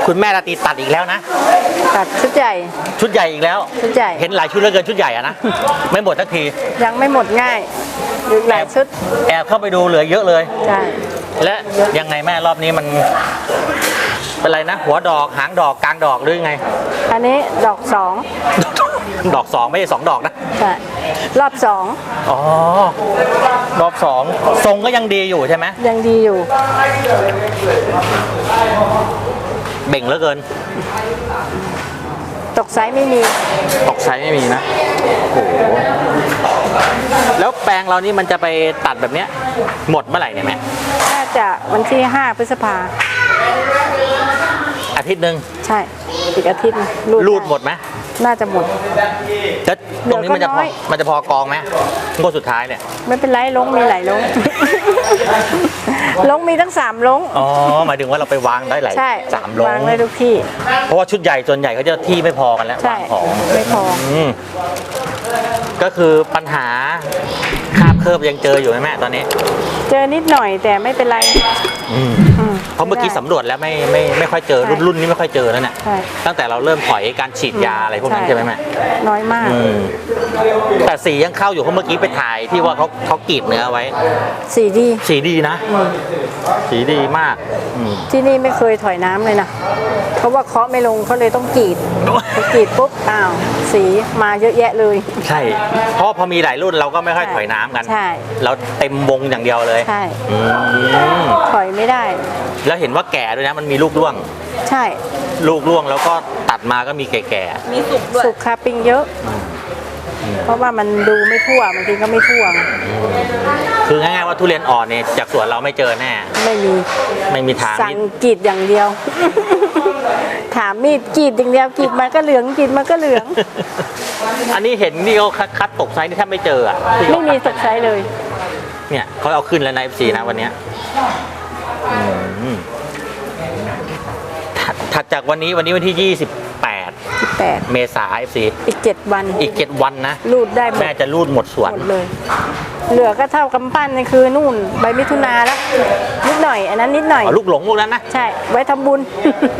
คุณแม่ราตรีตัดอีกแล้วนะตัดชุดใหญ่ชุดใหญ่อีกแล้วชุดใหญ่เห็นหลายชุดเหลือเกินชุดใหญ่อะนะ ไม่หมดสักทียังไม่หมดง่ายอีกหลายชุดแอบเข้าไปดูเหลือเยอะเลยใช่และยังไงแม่รอบนี้มันเป็นไรนะ หัวดอกหางดอกกลางดอกหรือยังไงอันนี้ดอกสองดอกสองไม่ใช่2 ดอกนะใช่รอบสองอ๋อรอบ2ทรงก็ยังดีอยู่ใช่ไหมยังดีอยู่เบ่งเหลือเกินตกไซส์ไม่มีตกไซส์ไม่มีนะโอ้โหแล้วแปลงเรานี่มันจะไปตัดแบบเนี้ยหมดเมื่อไหร่เนี่ยแม่น่าจะวันที่5 พฤษภาอาทิตย์หนึ่งใช่อีกอาทิตย์รูดหมดไหมน่าจะหมดแล้วตรงนี้มันจะเหลือก็น้อยมันจะพอกองไหมงวดสุดท้ายเนี่ยไม่เป็นไรลงมีหลายลง ลงมีทั้ง3ลงอ๋อหมายถึงว่าเราไปวางได้หลายใช่ 3 ลงวางได้ทุกที่เพราะว่าชุดใหญ่ส่วนใหญ่เขาจะที่ไม่พอกันแล้วใช่วางของไม่พอก็คือปัญหาคาบเคิบยังเจออยู่ไหมแม่ตอนนี้เจอนิดหน่อยแต่ไม่เป็นไรอืมเพราะเมื่อกี้สำรวจแล้วไม่ค่อยเจอใช่รุ่นนี้ไม่ค่อยเจอแล้วเนี่ยใช่ตั้งแต่เราเริ่มถอยการฉีดยาอะไรพวกนั้นใช่ไหมแม่น้อยมากแต่สียังเข้าอยู่เพราะเมื่อกี้ไปถ่ายที่ว่าเขากรีดเนื้อไว้สีดีสีดีนะ สีดีมากที่นี่ไม่เคยถอยน้ำเลยนะ เพราะว่าเคาะไม่ลงเขาเลยต้องกรีดพอกรีดปุ๊บอ้าวสีมาเยอะแยะเลยใช่ เพราะพอมีหลายรุ่นเราก็ไม่ค่อยถอยน้ำกันใช่เราเต็มวงอย่างเดียวเลยใช่อืมถอยไม่ได้แล้วเห็นว่าแก่ด้วยนะมันมีลูกร่วงใช่ลูกร่วงแล้วก็ตัดมาก็มีแก่มีสุกด้วยสุกคาปิงเยอะ เพราะว่ามันดูไม่ทั่วบางทีก็ไม่ทั่วๆคือง่ายๆว่าทุเรียนอ่อนเนี่ยจากสวนเราไม่เจอแน่ไม่มีไม่มีทางสั่งกรีดอย่างเดียว ถามมีดกรีดอย่างเดียวกรีดมันก็เหลืองกรีดมันก็เหลืองอันนี้เห็นนี่เขาคัดตกไซส์นี่แทบไม่เจออ่ะที่ไม่มีตกไซส์เลยเนี่ยเขาเอาขึ้นแล้วใน FC นะวันเนี้ยถัดจากวันนี้วันที่ 28 8 เมษายน FC อีก7 วันอีก 7 วันนะรูดได้หมดแม่จะรูดหมดสวนหมดเลย เหลือก็เท่ากำปั้นนี่คือนู่นใบมิถุนาแล้วนิดหน่อยอันนั้นนิดหน่อยอ๋อลูกหลงลูกนั้นนะใช่ไว้ทำบุญ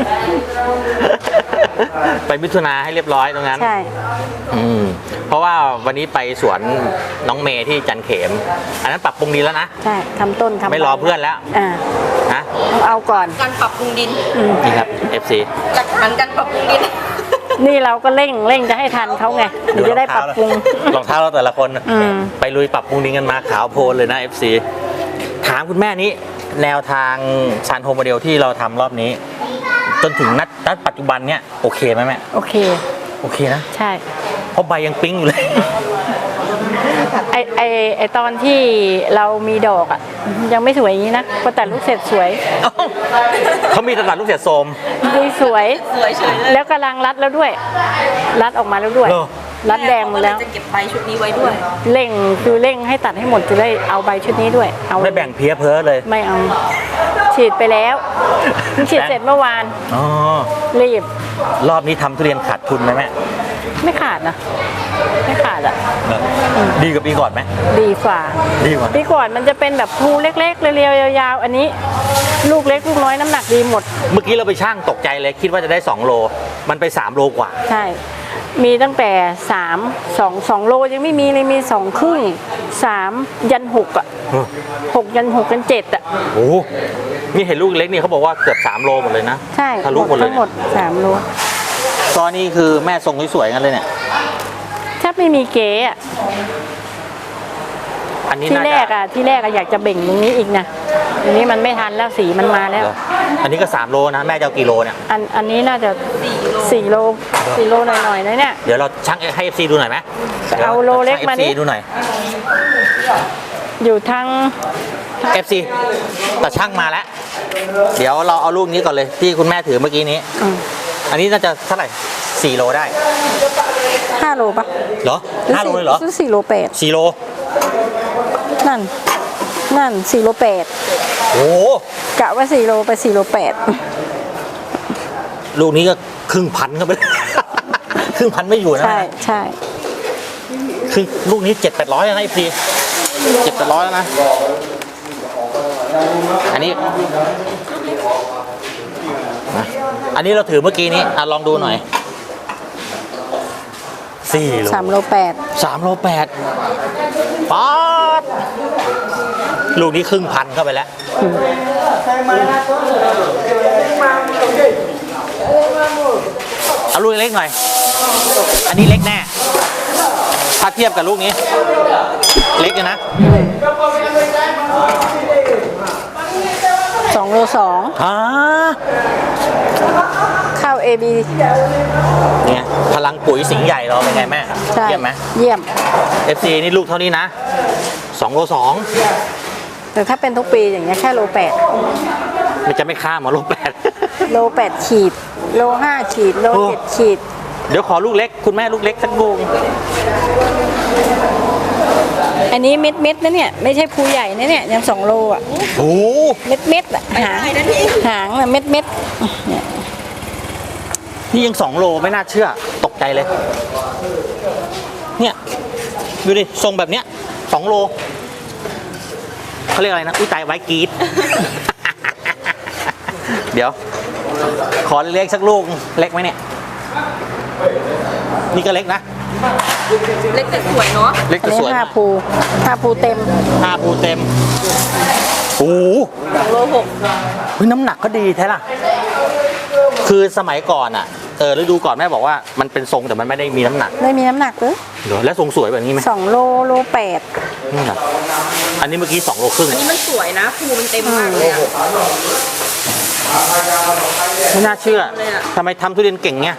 ไปมิถุนาให้เรียบร้อยตรงนั้นใช่เพราะว่าวันนี้ไปสวนน้องเมย์ที่จันเขม อันนั้นปรับปรุงดีแล้วนะใช่ทำต้นทำไม่รอเพื่อนแล้ว นะต้องเอาก่อนการปรับปรุงดินนี่ครับ FC หลักฐานการปรับปรุงดินนี่เราก็เร่งจะให้ทันเขาไงเดี๋ยวจะได้ปรับปรุงรองเท้าเราแต่ละคนอืมไปลุยปรับปรุงดินกันมาขาวโพลนเลยนะ FC ถามคุณแม่นี้แนวทางซานโฮโมเดลที่เราทำรอบนี้ จนถึงนัดปัจจุบันเนี่ยโอเคไหมแม่โอเคโอเคนะใช่เพราะใบยังปิ๊งอยู่เลยไอตอนที่เรามีดอกอ่ะ ยังไม่สวยอย่างนี้นะพอแต่ลูกเสร็จสวยเอ้าเขามีตลาดลูกเสือโสมดีสวยสวยเฉยเลยแล้วกำลังรัดแล้วด้วย รัดออกมาแล้วด้วยเหรอรัดแดงหมดแล้วจะเก็บใบชุดนี้ไว้ด้วยเร่งคือเร่งให้ตัดให้หมดจะได้เอาใบชุดนี้ด้วย เอาไม่แบ่งเพี้ยเพ้อเลยไม่เอา ฉีดไปแล้วเพิ่งฉีดเสร็จเมื่อวานอ๋อรีบรอบนี้ทำทุเรียนขาดทุนไหมแม่ไม่ขาดนะ ไม่ขาดอ่ะดีกว่าปีก่อนไหมดีกว่าดีกว่าปีก่อนมันจะเป็นแบบภูเล็กๆเรียวๆยาวๆ อันนี้ ลูกเล็กลูกน้อยน้ำหนักดีหมดเมื่อกี้เราไปช่างตกใจเลยคิดว่าจะได้2 โล มันไป3 โลกว่าใช่ มีตั้งแต่2 โลยังไม่มีเลยมี2 ครึ่ง 3 ยัน 6 อ่ะ 6 ยัน 6 ยัน 7 อ่ะโอ้โหนี่เห็นลูกเล็กนี่เขาบอกว่าเกือบ3 โลหมดเลยนะใช่ทะลุหมดเลยทั้งหมด 3 โลตอนนี้คือแม่ทรงสวยๆกันเลยเนี่ยแทบไม่มีเก๋อ่ะอันนี้ที่น่าแรจะกอ่ะที่แรกอ่ะอยากจะเบ่งตรงนี้อีกนะอันนี้มันไม่ทันแล้วสีมันมาแล้วเหรออันนี้ก็3 โลนะแม่จะเอากี่โลเนี่ยอันนี้น่าจะ4 โลหน่อยๆนะเนี่ยเดี๋ยวเราช่างให้ FC ดูหน่อยไหมเอาโลเล็กมาดิช่ง FC ดูหน่อยอยู่ทั้ง FC แต่ช่างมาแล้ว เดี๋ยวเราเอาลูกนี้ก่อนเลยที่คุณแม่ถือเมื่อกี้นี้ อันนี้น่าจะเท่าไหร่4 โลได้ 5 โลปะเหรอ5 โลเลยเหรอ 4 โล 8 4 โลนั่น4 โล 8 โอ้โหกะว่า4 โลไป4 โลลูกนี้ก็ครึ่งพันเข้าไปเลย ครึ่งพันไม่อยู่ 8 นะใช่ใช่ครึ่งลูกนี้700-800แล้วนะพี่700-800แล้วนะ อันนี้นะอันนี้เราถือเมื่อกี้นี้ลองดูหน่อย4 โล 3 โล 8 3 โล 8ป๊าดลูกนี้ครึ่งพันเข้าไปแล้ว เอาลูกเล็กหน่อย อันนี้เล็กแน่ ถ้าเทียบกับลูกนี้ เล็กเลยนะ 2 โล 2 อ่าข้าว AB เนี่ยพลังปุ๋ยสิงห์ใหญ่เราเป็นไงแม่ใช่เยี่ยมไหมเยี่ยม FC นี่ลูกเท่านี้นะ2 โลแต่ถ้าเป็นทุกปีอย่างเงี้ยแค่โล 2มันจะไม่ข้ามมาโล 8 8 โล 8 ขีด โล 5 ขีด โลโอ้ 7 ขีดเดี๋ยวขอลูกเล็ก คุณแม่ลูกเล็กสักลูกอันนี้เม็ดเม็ดๆนะเนี่ย ไม่ใช่ภูใหญ่นะเนี่ย ยัง 2 โลอ่ะโอ้เม็ดเม็ดๆอ่ะหางได้นะนี่หางน่ะเม็ดเม็ดเนี่ยนี่ยัง2 โลไม่น่าเชื่อ ตกใจเลย เนี่ย ดูดิ ทรงแบบเนี้ย2 โลเขาเรียกอะไรนะ อุ้ยตายไว้กรีด เดี๋ยว ขอเล็กๆสักลูก เล็กไหมเนี่ย นี่ก็เล็กนะเล็กแต่สวยเนาะเล็กอันแต่นี้สวย 5 ภู 5 ภูเต็ม 5 ภูเต็ม โอ้โห 2 โลเฮ้ยน้ำหนักก็ดีแท้ล่ะ คือสมัยก่อนอ่ะ ฤดูก่อนแม่บอกว่ามันเป็นทรงแต่มันไม่ได้มีน้ำหนักไม่มีน้ำหนักเลยเดี๋ยวแล้วทรงสวยแบบนี้ไหม 2 โล โลนี่นะอันนี้เมื่อกี้2 โลครึ่ง 8 อันนี้มันสวยนะภูมันเต็มมากเลยอะไม่น่าเชื่อเลยอะทำไมทำทุเรียนเก่งเงี้ย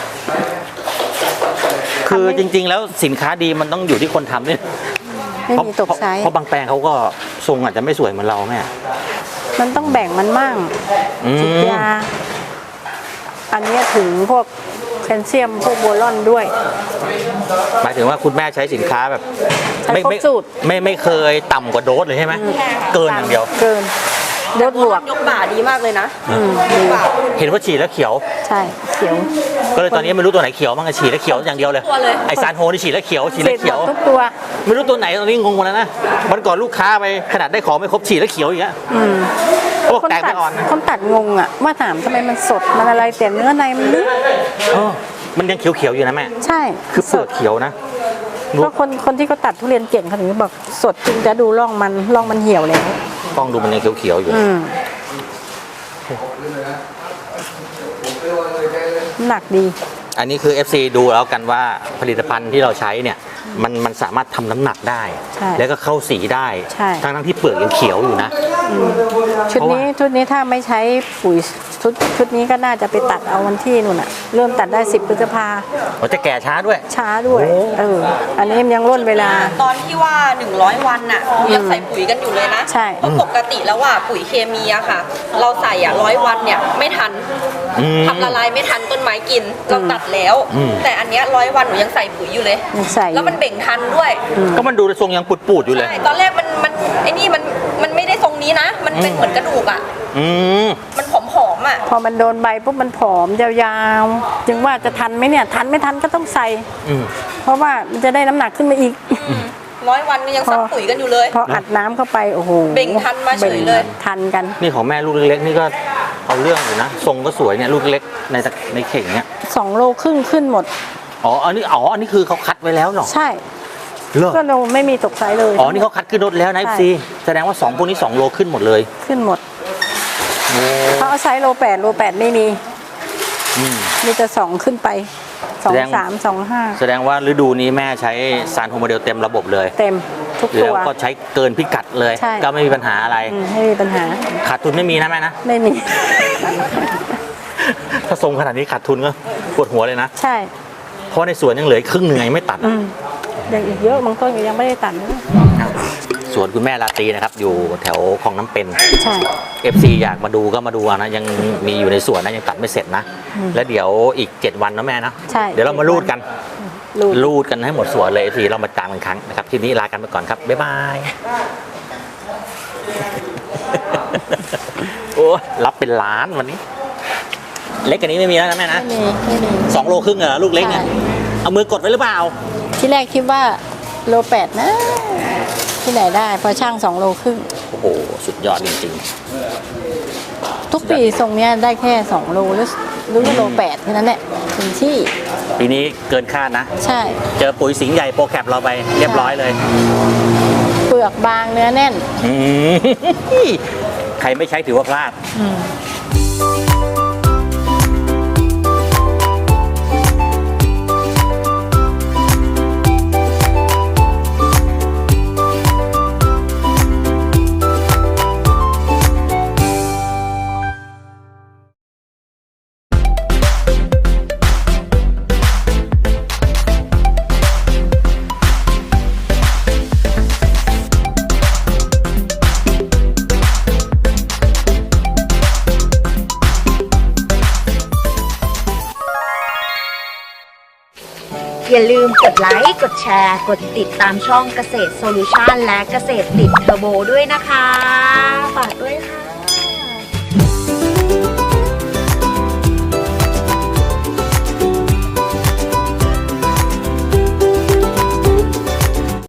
คือจริง ๆ แล้วสินค้าดีมันต้องอยู่ที่คนทำเนี่ย 8 ไม่มีตกไซส์เพราะบางแปลงเขาก็ทรงอาจจะไม่สวยเหมือนเราแม่มันต้องแบ่งมันมั่งอืมฉีดยา อันเนี้ยถึงพวกแคลเซียม พวกโบรอนด้วยหมายถึงว่าคุณแม่ใช้สินค้าแบบใช้ครบสูตรไม่เคยต่ำกว่าโดสเลยใช่ไหมเกินอย่างเดียวเกินโดดบวกยกบ่าดีมากเลยนะดีบ่าเห็นว่าฉีดแล้วเขียวใช่เขียวก็เลยตอนนี้ไม่รู้ตัวไหนเขียวบ้างอะฉีดแล้วเขียวอย่างเดียวเลยตัวเลยไอซานโฮนี่ฉีดแล้วเขียวฉีดเสร็แล้จวเขียวหมดทุกตัวไม่รู้ตัวไหนตอนนี้งงหมดแล้วนะวันก่อนลูกค้าไปขนาดได้ของไม่ครบฉีดแล้วเขียวอีกแล้วเขาบอกคนแตกตัไม่ดอ่อนนะคนตัดงงอ่ะว่าถามทำไมมันสดมันอะไรแต่เนื้อในมันลึกเออมันยังเขียวๆอยู่นะแม่ใช่คือเปลือกเขียวนะเพราะคนที่เขาตัดทุเรียนเก่งเขาถึงบอกสดจึงจะดูร่องมันเหี่ยวแล้วกล้องดูมันยังเขียวๆอยู่หนักดีอันนี้คือ FC ดูแล้วกันว่าผลิตภัณฑ์ที่เราใช้เนี่ยมันสามารถทำน้ำหนักได้ใช่แล้วก็เข้าสีได้ใช่ทั้งที่เปลือกยังเขียวอยู่นะชุดนี้ถ้าไม่ใช้ปุ๋ยชุดนี้ก็น่าจะไปตัดเอาวันที่นู่นอ่ะ เริ่มตัดได้ 10 พฤษภามันจะแก่ช้าด้วยช้าด้วยโอ้อันนี้มันยังร่นเวลาตอนที่ว่า 100 วันน่ะยังใส่ปุ๋ยกันอยู่เลยนะใช่เพราะปกติแล้วว่าปุ๋ยเคมีอะค่ะ เราใส่อะ100 วันเนี่ยไม่ทันอืมทำละลายไม่ทันต้นไม้กินเราตัดแล้วอืมแต่อันเนี้ย100 วันหนูยังใส่ปุ๋ยอยู่เลยยังใส่แล้วมันเบ่งทันด้วยก็มันดูทรงยังปูดๆอยู่เลยใช่ ตอนแรกมันไอ้นี่มันไม่ได้ทรงนี้นะ มันเป็นเหมือนกระดูกอะอืมมันผอมๆอะพอมันโดนใบปุ๊บมันผอมยาวๆ จึงว่าจะทันไหมเนี่ย ทันไม่ทันก็ต้องใส่อืมเพราะว่ามันจะได้น้ำหนักขึ้นมาอีก 100 วันก็ยังซักปุ๋ยกันอยู่เลยพออัดน้ำเข้าไปโอ้โหเบ่งทันมาเฉยเลยบ่งทันกันนี่ของแม่ลูกเล็กๆนี่ก็เอาเรื่องอยู่นะ ทรงก็สวยเนี่ยลูกเล็กในเข่งเนี่ย 2 โลครึ่งขึ้นหมดอันนี้คือเขาคัดไว้แล้วเหรอใช่เหรอก็เราไม่มีตกไซส์เลยนี่เขาคัดขึ้นรถแล้วนะใช่ FC แสดงว่า2พวกนี้2 โลขึ้นหมดเลยขึ้นหมดโอ้เขาเอาไซส์โล 8ไม่มีอืมมีแต่2ขึ้นไปแสดง 2 3 2 แสดงว่าฤดูนี้แม่ใช้ซานโฮโมเดลเต็มระบบเลย 5 เต็มทุกตัแล้ว วก็ใช้เกินพิกัดเลยใช่ก็ไม่มีปัญหาอะไรไม่มีปัญหาขาดทุนไม่มีนะแม่นะไม่มีถ้าทรงขนาดนี้ขาดทุนก็ปวดหัวเลยนะใช่เพราะในสวนยังเหลืออีกครึ่งหนึ่งยังไม่ตัดยังอีกเยอะบางต้นก็ยังไม่ได้ตัดเลยสวนคุณแม่ลาตรีนะครับ อยู่แถวคลองน้ำเป็นใช่ FC อยากมาดูก็มาดูเอานะ ยังมีอยู่ในสวนนะยังตัดไม่เสร็จนะ แล้วเดี๋ยวอีก 7 วันนะแม่นะใช่เดี๋ยวเรามารูดกันรูดรูดกันให้หมดสวนเลย FC เรามาตามกันครั้งนะครับทีนี้ลากันไปก่อนครับ บ๊ายบาย โอ้รับเป็นล้านวันนี้ เล็กกว่านี้ไม่มีแล้วนะแม่นะไม่มี 2 โลครึ่งเหรอลูกเล็กเนี่ยใช่เอามือกดไว้หรือเปล่าที่แรกคิดว่าโล 8นะ ที่ไหนได้พอช่าง2 โลครึ่งโอ้โห สุดยอดจริงๆทุกปีทรงเนี้ยได้แค่2 โลหรือโล8แค่นั้นแหละถึงที่ปีนี้เกินคาดนะใช่เจอปุ๋ยสิงห์ใหญ่โปรแคปเราไปเรียบร้อยเลยเปลือกบางเนื้อแน่นอืม ใครไม่ใช้ถือว่าพลาดอย่าลืมกดไลค์ กดแชร์ กดติดตามช่องเกษตรโซลูชันและเกษตรติดเทอร์โบด้วยนะคะ ฝากด้วยค่ะ